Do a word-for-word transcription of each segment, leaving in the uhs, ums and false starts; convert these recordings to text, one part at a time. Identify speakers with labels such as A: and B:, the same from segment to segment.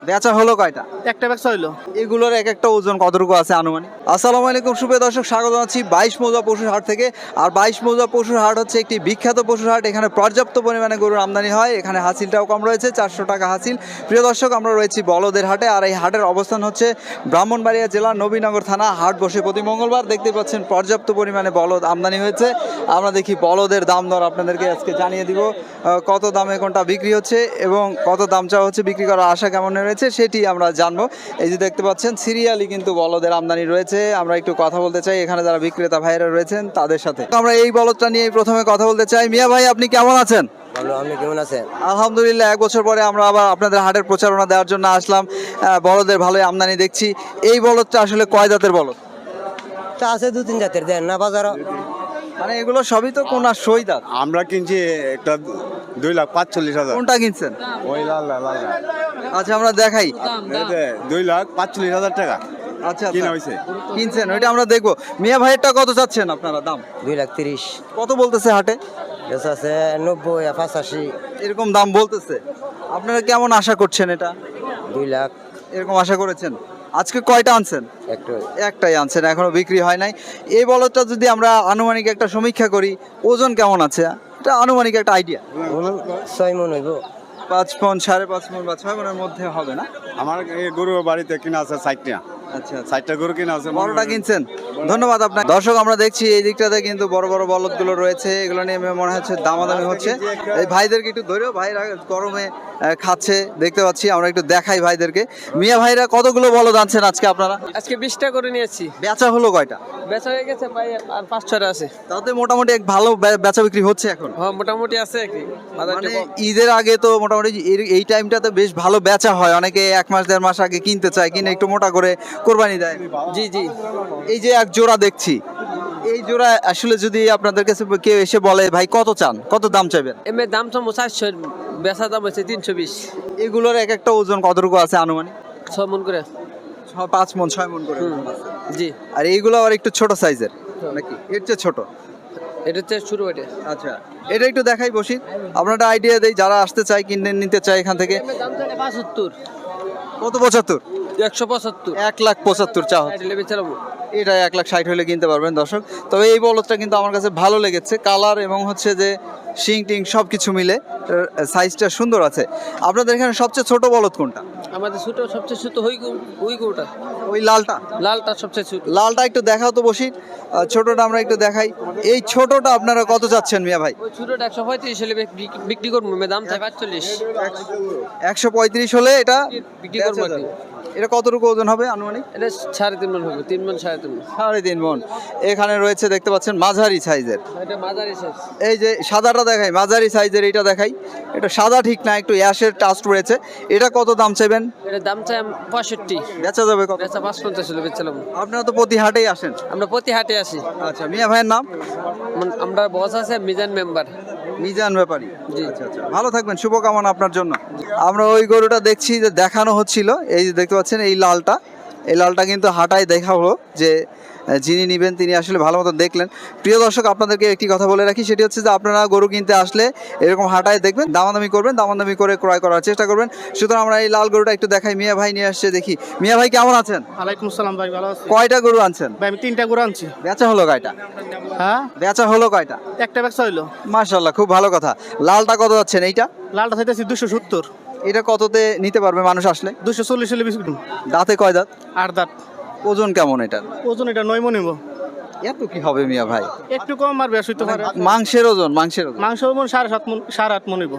A: বেচা হলো কয়টা?
B: একটা ব্যবসা হইলো।
A: এগুলোর এক একটা ওজন কতটুকু আছে আনুমানিক? আসসালামু আলাইকুম সুপ্রিয় দর্শক, স্বাগত জানাচ্ছি বাইশ মৌজা পশুর হাট থেকে। আর বাইশ মৌজা পশুর হাট হচ্ছে একটি বিখ্যাত পশুর হাট। এখানে পর্যাপ্ত পরিমাণে গরুর আমদানি হয়। এখানে হাসিলটাও কম রয়েছে, চারশো টাকা হাসিল। প্রিয় দর্শক, আমরা রয়েছি বলদের হাটে। আর এই হাটের অবস্থান হচ্ছে ব্রাহ্মণবাড়িয়া জেলার নবীনগর থানা। হাট বসে প্রতি মঙ্গলবার। দেখতে পাচ্ছেন পর্যাপ্ত পরিমাণে বলদ আমদানি হয়েছে। আমরা দেখি বলদের দাম দর আপনাদেরকে আজকে জানিয়ে দিব। আহ, কত দামে কোনটা বিক্রি হচ্ছে এবং কত দাম চাওয়া হচ্ছে, বিক্রি করার আশা কেমন রয়েছে সেটি আমরা জানবো। এই যে দেখতে পাচ্ছেন সিরিয়ালি কিন্তু বলদের আমদানি রয়েছে। আমরা একটু কথা বলতে চাই এখানে যারা বিক্রেতা ভাইরা রয়েছেন তাদের সাথে। আমরা এই বলদটা নিয়ে প্রথমে কথা বলতে চাই। মিয়া ভাই, আপনি কেমন আছেন?
C: ভালো, আপনি কেমন আছেন?
A: আলহামদুলিল্লাহ। এক বছর পরে আমরা আবার আপনাদের হাটের প্রচারণা দেওয়ার জন্য আসলাম। আহ, বলদের ভালোই আমদানি দেখছি। এই বলদটা আসলে কয় জাতের বলদ?
C: তা আছে দু তিন জাতের, দেন না বাজার।
A: মানে এগুলো সবই তো কোন সই দাঁত।
D: আমরা কিনছি একটা দুই লাখ পাঁচচল্লিশ হাজার।
A: কোনটা কিনছেন?
D: ওই লাল লাল লাল লাল।
A: আচ্ছা, আমরা দেখাই।
D: এতে দুই লাখ পাঁচচল্লিশ হাজার টাকা
A: আচ্ছা
D: কিনা
A: আচ্ছা।
D: হয়েছে।
A: কিনছেন, ওইটা আমরা দেখবো। মিয়া ভাইয়েরটা কত চাচ্ছেন আপনারা দাম?
C: দুই লাখ তিরিশ।
A: কত বলতেছে হাটে?
C: বেশ আছে নব্বই, পঁচাশি।
A: এরকম দাম বলতেছে। আপনারা কেমন আশা করছেন এটা?
C: দুই লাখ
A: এরকম আশা করেছেন? আজকে কয়টা আনছেন?
C: একটু।
A: একটাই আনছেন, এখনো বিক্রি হয় নাই। এই বলদটা যদি আমরা আনুমানিক একটা সমীক্ষা করি, ওজন কেমন আছে এটা আনুমানিক একটা আইডিয়া?
C: ছয় মন হইব।
A: পাঁচ মন, সাড়ে পাঁচ মন বা ছয় মনের মধ্যে হবে না?
D: আমার এই গরু বাড়িতে কিনা আছে ষাটটা
A: আচ্ছা আচ্ছা।
D: ষাটটা গরু কিনা আছে।
A: বড়টা কিনছেন, ধন্যবাদ আপনার। দর্শক, আমরা দেখছি এই দিকটাতে কিন্তু বড় বড় বলদগুলো রয়েছে। এগুলো নিয়ে মনে হচ্ছে দামাদামি হচ্ছে। এই ভাইদেরকে একটু ধরেও, ভাইরা গরমে আহ, খাচ্ছে দেখতে পাচ্ছি। আমরা একটু দেখাই ভাইদেরকে। মিয়া ভাইরা কতগুলো বলদ আনছেন আজকে আপনারা?
B: আজকে বিশটা করে নিয়েছি।
A: বেচা হলো কয়টা?
B: বেচা হয়ে গেছে ভাই, আর পাঁচ ছয়টা আছে।
A: তাতে মোটামুটি এক ভালো বে- বেচা বিক্রি হচ্ছে এখন।
B: হ্যাঁ, মোটামুটি আছে কি বাজারটা
A: মানে
B: কম।
A: ঈদের আগে তো মোটামুটি এই- এই টাইমটাতে বেশ ভালো বেচা হয়। অনেকে এক মাস দেড় মাস আগে কিনতে চায়, কিনে একটু মোটা করে কোরবানি দেয়।
B: জি জি।
A: এই যে এক জোড়া দেখছি, এই জোড়া আসলে যদি আপনাদের কাছে কেউ এসে বলে ভাই কত চান, কত দাম চাইবেন?
B: এমনি দাম তো চারশো, বেচা দাম হচ্ছে তিনশো বিশ।
A: এগুলোর এক একটা ওজন কতটুকু আছে আনুমানিক?
B: ছয় মন করে।
A: ছ- পাঁচ মন ছয় মন করে
B: হুম।
A: ওজন আছে।
B: জি।
A: আর এইগুলো আবার একটু ছোট সাইজের নাকি? এর চেয়ে ছোট?
B: এটা হচ্ছে শুরু এটা।
A: আচ্ছা, এটা একটু দেখাই বসি। আপনারা আইডিয়া দেই যারা আসতে চায়, কিনে নিতে চায় এখান থেকে।
B: দাম চাইলে পঁচাত্তর,
A: কত? পঁচাত্তর?
B: একশো পঁচাত্তর।
A: এক লাখ পঁচাত্তর চা হচ্ছে।
B: বেচারাবো।
A: এটা এক লাখ ষাট হলে কিনতে পারবেন দর্শক। তবে এই বলদটা কিন্তু আমার কাছে ভালো লেগেছে, কালার এবং হচ্ছে যে শিং টিং সব কিছু মিলে সাইজটা সুন্দর আছে। আপনাদের এখানে সবচেয়ে ছোট বলদ কোনটা?
B: আমাদের ছোট সবচেয়ে ছোট হই ওই গরুটা,
A: ওই লালটা?
B: লালটা সবচেয়ে ছোট।
A: লালটা একটু দেখাও তো বসি। আহ, ছোটটা আমরা একটু দেখাই। এই ছোটটা আপনারা কত চাচ্ছেন মিয়া ভাই?
B: ওই ছোটটা একশো পঁয়ত্রিশ হলে বিক- বিক্রি করবো। দাম চাই পাঁচচল্লিশ।
A: একশো পঁয়ত্রিশ হলে এটা
B: বিক্রি করবো আর কি।
A: এটা কতটুকু ওজন হবে আনুমানিক?
B: এটা সাড়ে তিন মন হবে, তিন মন সাড়ে তিন মন।
A: সাড়ে তিন মন। এখানে রয়েছে দেখতে পাচ্ছেন মাঝারি সাইজের।
B: এটা মাঝারি সাইজ।
A: এই যে সাদাটা দেখাই, মাঝারি সাইজের এইটা দেখাই। এটা সাদা ঠিক না, একটু অ্যাশের টাস্ট রয়েছে। এটা কত দাম চাইবেন?
B: এটার দাম চাই পঁয়ষট্টি।
A: বেচা যাবে কত?
B: বেচা পাঁচ পঞ্চাশ হলে বেচলাম।
A: আপনারা তো প্রতি হাটেই আসেন।
B: আমরা প্রতি হাটে আসি।
A: আচ্ছা, মিয়া ভাইয়ের নাম?
B: আম- আমরা বস আছে মিজান মেম্বার।
A: মিজান ব্যাপারী।
B: জি।
A: আচ্ছা আচ্ছা, ভালো থাকবেন, শুভকামনা আপনার জন্য। আমরা ওই গরুটা দেখছি যে দেখানো হচ্ছিল, এই যে দেখতে পাচ্ছেন এই লালটা। এই লালটা কিন্তু হাটায় দেখা হলো যে আহ, যিনি নেবেন তিনি আসলে ভালো মতো দেখলেন। প্রিয় দর্শক, আপনাদেরকে একটি কথা বলে রাখি, সেটি হচ্ছে যে আপনারা গরু কিনতে আসলে এরকম হাটায় দেখবেন, দামাদামি করবেন, দামাদামি করে ক্রয় করার চেষ্টা করবেন। সুতরাং আমরা এই লাল গরুটা একটু দেখাই। মিয়া ভাই নিয়ে আসছে, দেখি। মিয়া ভাই কেমন আছেন?
B: ওয়ালাইকুম আসসালাম ভাই, ভালো আছি
A: কয়টা গরু আনছেন?
B: ভাই। আমি তিনটা গরু আনছি।
A: বেচা হলো কয়টা?
B: হ্যাঁ,
A: বেচা হলো কয়টা?
B: একটা ব্যবসা হইলো।
A: মাশাআল্লাহ, খুব ভালো কথা। লালটা কত যাচ্ছেন এইটা?
B: লালটা চাইতেছি দুশো সত্তর।
A: এটা কততে নিতে পারবে মানুষ আসলে?
B: দুশো চল্লিশ হলে বিক্রি করবো।
A: দাঁতে কয় দাঁত?
B: আট দাঁত।
A: ওজন কেমন এটা?
B: ওজন এটা নয় মন নিব।
A: এত কি হবে মিয়া ভাই?
B: একটু কম আর বেশ হইতে পারে।
A: মাংসের ওজন, মাংসের ওজন।
B: মাংস মন সাড়ে সাত মন, সাড়ে আট মন নিব।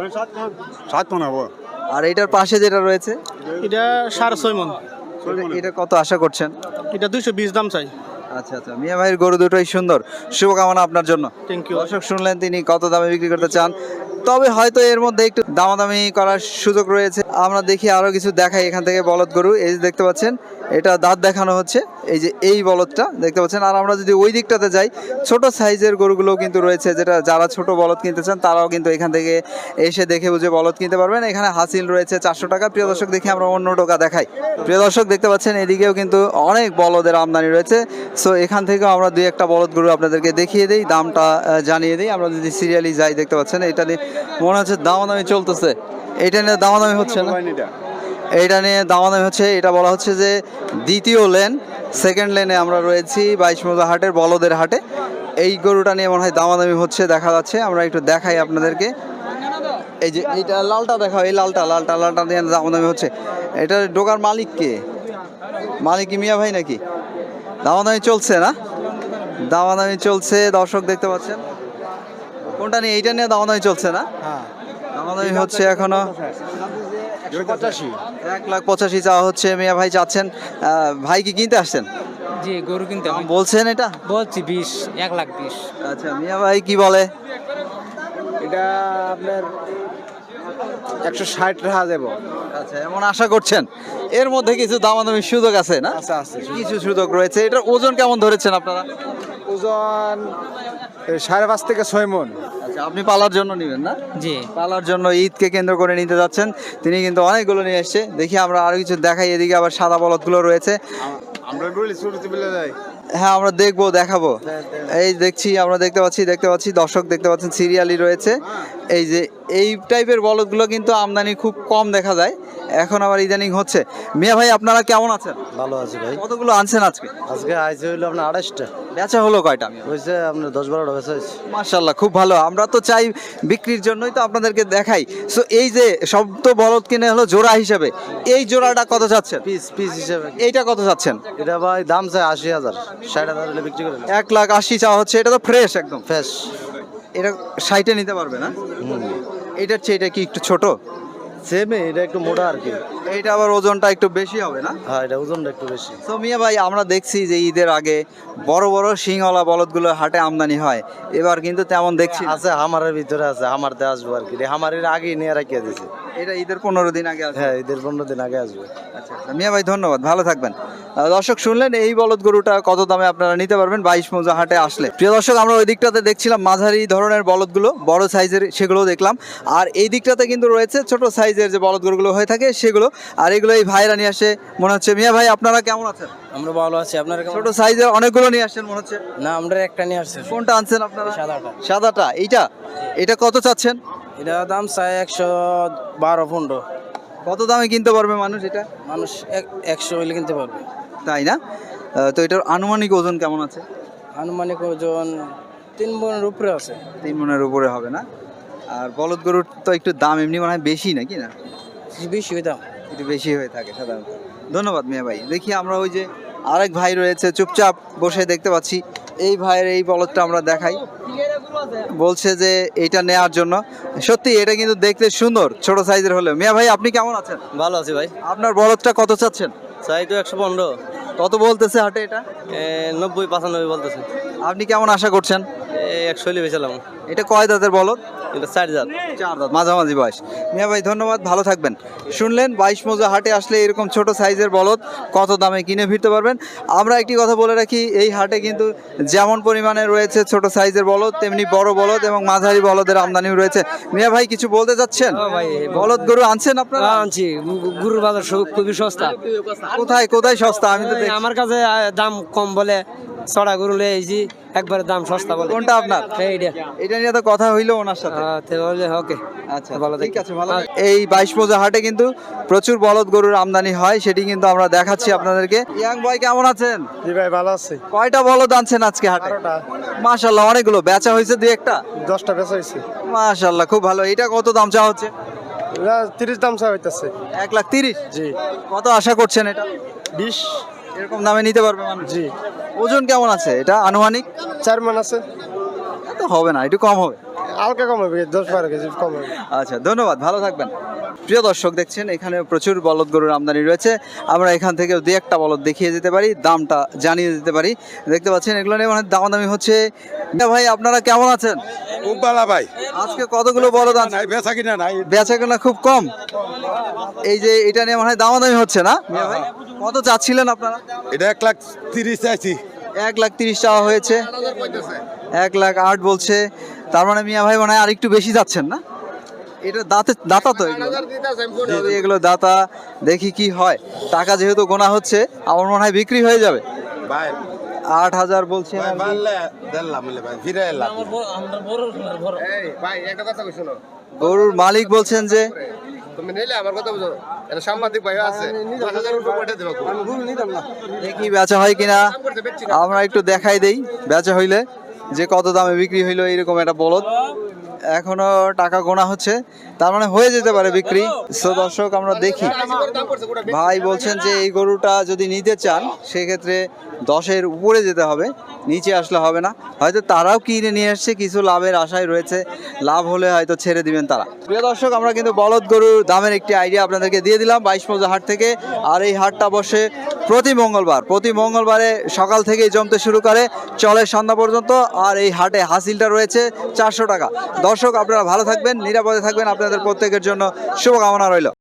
D: সাত মন হবো।
A: আর এটার পাশে যেটা রয়েছে
B: এটা সাড়ে ছয় মন।
A: এটা- এটা কত আশা করছেন?
B: এটা দুইশো বিশ দাম চাই।
A: আচ্ছা আচ্ছা, মিয়া ভাইয়ের গরু দুটোই সুন্দর, শুভকামনা আপনার জন্য।
B: Thank you.
A: দর্শক শুনলেন তিনি কত দামে বিক্রি করতে চান। তবে হয়তো এর মধ্যে একটু দামাদামি করার সুযোগ রয়েছে। আমরা দেখি আরো কিছু দেখাই এখান থেকে। বলদ গরু এই যে দেখতে পাচ্ছেন, এটা দাঁত দেখানো হচ্ছে। এই যে এই বলদটা দেখতে পাচ্ছেন। আর আমরা যদি ওই দিকটাতে যাই, ছোট সাইজের গরুগুলোও কিন্তু রয়েছে, যেটা যারা ছোট বলদ কিনতে চান তারাও কিন্তু এখান থেকে এসে দেখে বুঝে বলদ কিনতে পারবেন। এখানে হাসিল রয়েছে চারশো টাকা। প্রিয় দর্শক, দেখি আমরা অন্য টোকা দেখাই। প্রিয় দর্শক, দেখতে পাচ্ছেন এদিকেও কিন্তু অনেক বলদের আমদানি রয়েছে। সো এখান থেকেও আমরা দুই একটা বলদ গরু আপনাদেরকে দেখিয়ে দিই, দামটা আহ, জানিয়ে দিই। আমরা যদি সিরিয়ালি যাই, দেখতে পাচ্ছেন এটা নিয়ে মনে হচ্ছে দামাদামি চলতেছে। এটা নিয়ে দামাদামি হচ্ছে না? এইটা নিয়ে দামাদামি হচ্ছে, এটা বলা হচ্ছে যে দ্বিতীয় লেন, সেকেন্ড লেনে আমরা রয়েছি বাইশ মৌজা হাটের বলদের হাটে। এই গরুটা নিয়ে মনে হয় দামাদামি হচ্ছে, দেখা যাচ্ছে। আমরা একটু দেখাই আপনাদেরকে। এই যে এইটা লালটা দেখাও, এই লালটা লালটা লালটা নিয়ে দামাদামি হচ্ছে। এটা ডোকার মালিক কে? মালিক কি মিয়া ভাই নাকি? দামাদামি চলছে না? দামাদামি চলছে, দর্শক দেখতে পাচ্ছেন। কোনটা নিয়ে? এইটা নিয়ে দামাদামি চলছে না? দামাদামি হচ্ছে এখনো।
C: পঁচাশি।
A: এক লাখ পঁচাশি চাওয়া হচ্ছে, মিয়া ভাই চাচ্ছেন। আহ, ভাই কি কিনতে আসছেন?
B: জি গরু কিনতে
A: দাম বলছেন এটা?
B: বলছি বিশ, এক লাখ বিশ।
A: আচ্ছা, মিয়া ভাই কি বলে?
C: এটা আপনার একশো ষাট টাকা দেবো।
A: আচ্ছা, এমন আশা করছেন। এর মধ্যে কিছু দামাদামির সুযোগ আছে না?
C: আচ্ছা আছে।
A: কিছু সুযোগ রয়েছে। এটার ওজন কেমন ধরেছেন আপনারা?
C: ওজন সাড়ে পাঁচ থেকে ছয় মন।
A: আচ্ছা, আপনি পালার জন্য নেবেন না?
B: জি
A: পালার জন্য ঈদকে কেন্দ্র করে নিতে যাচ্ছেন। তিনি কিন্তু অনেকগুলো নিয়ে এসছে। দেখি আমরা আরো কিছু দেখাই। এদিকে আবার সাদা বলদগুলো রয়েছে।
D: আমরা গুলি ছোট বিলে যাই।
A: হ্যাঁ, আমরা দেখবো, দেখাবো। এই দেখছি, আমরা দেখতে পাচ্ছি দেখতে পাচ্ছি দর্শক দেখতে পাচ্ছেন, সিরিয়ালি রয়েছে। এই যে এই টাইপের বলদগুলো কিন্তু আমদানি খুব কম দেখা যায়, এখন আবার ইদানিং হচ্ছে। মিয়া ভাই আপনারা কেমন আছেন?
C: ভালো আছে ভাই।
A: কতগুলো আনছেন আজকে?
C: আজকে আইসে হইলো আপনার আড়াইশটা।
A: বেচা হলো কয়টা?
C: হয়েছে আপনার দশ বারোটা বেচা হয়েছে।
A: মাশাল্লাহ, খুব ভালো। আমরা তো চাই বিক্রির জন্যই তো আপনাদেরকে দেখাই। সো এই যে সব তো বলদ কিনে হলো জোড়া হিসাবে, এই জোড়াটা কত চাচ্ছেন?
C: পিস পিস হিসেবে
A: এইটা কত চাচ্ছেন?
C: এটা ভাই দাম চাই আশি হাজার, ষাট হাজার হলে বিক্রি করে
A: এক লাখ আশি চাওয়া হচ্ছে। এটা তো ফ্রেশ একদম।
C: ফ্রেশ।
A: এটা ষাটে নিতে পারবে না? এটার চেয়ে এটা কি একটু ছোট?
C: সেমে, এটা একটু মোটা আর কি।
A: এইটা আবার ওজনটা একটু বেশি হবে না?
C: হ্যাঁ, এটা ওজনটা একটু বেশি।
A: তো মিয়া ভাই, আমরা দেখছি যে ঈদের আগে বড় বড় সিংওয়ালা বলদগুলো হাটে আমদানি হয়, এবার কিন্তু তেমন দেখছি না।
C: আছে হামারের ভিতরে আছে, হামার দিয়ে আসবো আর কি। হামারের আগে নিয়ে রাখিয়ে দিয়েছে।
A: এটা ঈদের পনেরো দিন আগে আছে।
C: হ্যাঁ, ঈদের পনেরো দিন আগে আসবে।
A: আচ্ছা আচ্ছা, মিয়া ভাই ধন্যবাদ, ভালো থাকবেন। আহ, দর্শক শুনলেন, এই বলদ গরুটা কত দামে আপনারা নিতে পারবেন বাইশ মৌজা হাটে আসলে। প্রিয় দর্শক, আমরা ওই দিকটাতে দেখছিলাম মাঝারি ধরনের বলদগুলো, বড় সাইজের সেগুলো দেখলাম। আর এই দিকটাতে কিন্তু রয়েছে ছোট সাইজের যে বলদ গরুগুলো হয়ে থাকে সেগুলো। আর এগুলো এই ভাইরা নিয়ে আসে মনে হচ্ছে। মিয়া ভাই আপনারা কেমন আছেন?
B: আমরা ভালো আছি, আপনারা কেমন?
A: ছোট সাইজের অনেকগুলো নিয়ে আসছেন মনে হচ্ছে।
B: না আমরা একটা নিয়ে আসছি।
A: কোনটা আনছেন আপনারা?
B: সাদাটা।
A: সাদাটা। এইটা এটা কত চাচ্ছেন?
B: এটা দাম চাই একশো বারো পনেরো।
A: কত দামে কিনতে পারবে মানুষ এটা?
B: মানুষ একশো হইলে কিনতে পারবে।
A: তাই না? আহ, তো এটার আনুমানিক ওজন কেমন আছে?
B: আনুমানিক ওজন তিন মনের উপরে আছে।
A: তিন মনের উপরে হবে না? আর বলদ গরুর তো একটু দাম এমনি মনে হয় বেশি নাকি না?
B: বেশি ওই দাম।
A: একটু বেশি হয়ে থাকে সাধারণত। ধন্যবাদ মিয়া ভাই। দেখি আমরা ওই যে আরেক ভাই রয়েছে চুপচাপ বসে দেখতে পাচ্ছি। এই ভাইয়ের এই বলদটা আমরা দেখাই, বলছে যে এইটা নেয়ার জন্য। সত্যি এটা কিন্তু দেখতে সুন্দর, ছোট সাইজের হলেও। মিয়া ভাই আপনি কেমন আছেন?
C: ভালো আছে ভাই।
A: আপনার বলদটা কত চাচ্ছেন?
C: চাই তো একশো পনেরো।
A: কত বলতেছে হাটে এটা?
C: নব্বই পঁচানব্বই বলতেছে।
A: আপনি কেমন আশা করছেন?
C: একশো হলে বেচালাম।
A: এটা কয় দাঁতের বলদ?
C: এটা চার হাজার।
A: চার দাঁত, মাঝামাঝি বয়স। মিয়া ভাই ধন্যবাদ, ভালো থাকবেন। শুনলেন, বাইশ মৌজা হাটে আসলে এরকম ছোট সাইজের বলদ কত দামে কিনে ফিরতে পারবেন। আমরা একটি কথা বলে রাখি, এই হাটে কিন্তু যেমন পরিমাণে রয়েছে ছোট সাইজের বলদ, তেমনি বড় বলদ এবং মাঝারি বলদের আমদানিও রয়েছে। মিয়া ভাই কিছু বলতে চাচ্ছেন? বলদ গরু আনছেন আপনারা?
B: আনছি, গরুর বাজার খুবই সস্তা।
A: কোথায় কোথায় সস্তা? আমি তো দেখছি।
B: আমার কাছে দাম কম বলে চড়া গরু লয়ে আইছি, একবারে দাম সস্তা বলে।
A: কোনটা আপনার?
B: এইটা।
A: এটা নিয়ে তো কথা হইলো ওনার সাথে।
B: ওকে
A: আচ্ছা,
B: ভালো
A: ঠিক আছে, ভালো। এই বাইশ মৌজা হাটে কিন্তু প্রচুর বলদ গরুর আমদানি হয়, সেটি কিন্তু আমরা দেখাচ্ছি আপনাদেরকে। ইয়াং ভাই কেমন আছেন?
C: জি ভাই, ভালো আছে।
A: কয়টা বলদ আনছেন আজকে হাটে? মাশাআল্লাহ, অনেকগুলো। বেচা হয়েছে দুই একটা?
C: দশটা বেচা হয়েছে।
A: মাশাআল্লাহ, খুব ভালো। এটা কত দাম চাওয়া হচ্ছে?
C: তিরিশ দাম চা হইতেছে।
A: এক লাখ তিরিশ?
C: জি।
A: কত আশা করছেন এটা?
C: বিশ।
A: এরকম দামে নিতে পারবে মানুষ?
C: জি।
A: ওজন কেমন আছে এটা আনুমানিক?
C: চার মান আছে।
A: এত হবে না, একটু কম হবে।
C: হালকা কম হবে, দশ বারো কেজি কম হবে।
A: আচ্ছা, ধন্যবাদ, ভালো থাকবেন। প্রিয় দর্শক, দেখছেন এখানে প্রচুর বলদ গরুর আমদানি রয়েছে। আমরা এখান থেকে দুই একটা বলদ দেখিয়ে দিতে পারি, দামটা জানিয়ে দিতে পারি। দেখতে পাচ্ছেন এগুলো নিয়ে মানে দামাদামি হচ্ছে। না ভাই, আপনারা কেমন আছেন?
D: খুব ভালো ভাই।
A: আজকে কতগুলো বলদ আনছেন?
D: নাই বেচা কিনা নাই।
A: বেচা কেনা খুব কম। এই যে এটা নিয়ে মনে হয় দামাদামি হচ্ছে না মিয়া ভাই? কত চাচ্ছিলেন আপনারা?
D: এটা এক লাখ তিরিশ চাইছি।
A: এক লাখ তিরিশ চাওয়া হয়েছে, এক লাখ আট বলছে। তার মানে মিয়া ভাই মনে হয় আর একটু বেশি যাচ্ছেন না? এটা দাঁতে দাতা তো এগুলো, এগুলো দাতা। দেখি কি হয়। টাকা যেহেতু গোনা হচ্ছে, আমার মনে হয় বিক্রি হয়ে যাবে।
D: ভাই
A: আট হাজার বলছে।
D: ভাই বাড়লে দিলাম ভাই, ফিরে এলাম। এই ভাই একটা কথা কই শুনো।
A: গরুর মালিক বলছেন যে
E: তুমি নিলে আমার কথা বুঝো এটা সাংবাদিক ভাই আছে দশ হাজার উপরে পাঠিয়ে দেবো
A: দেখি বেচা হয় কিনা আমরা একটু দেখাই দেই বেচা হইলে যে কত দামে বিক্রি হইলো এরকম একটা বলদ। এখনো টাকা গোনা হচ্ছে, তার মানে হয়ে যেতে পারে বিক্রি। সো দর্শক আমরা দেখি, ভাই বলছেন যে এই গরুটা যদি নিতে চান সেক্ষেত্রে দশের উপরে যেতে হবে, নিচে আসলে হবে না। হয়তো তারাও কিনে নিয়ে আসছে, কিছু লাভের আশায় রয়েছে, লাভ হলে হয়তো ছেড়ে দিবেন তারা। প্রিয় দর্শক আমরা কিন্তু বলদ গরুর দামের একটি আইডিয়া আপনাদেরকে দিয়ে দিলাম বাইশ মৌজা হাট থেকে। আর এই হাটটা বসে প্রতি মঙ্গলবার, প্রতি মঙ্গলবারে সকাল থেকেই জমতে শুরু করে, চলে সন্ধ্যা পর্যন্ত। আর এই হাটে হাসিলটা রয়েছে চারশো টাকা। দর্শক আপনারা ভালো থাকবেন, নিরাপদে থাকবেন, আপনাদের প্রত্যেকের জন্য শুভকামনা রইল।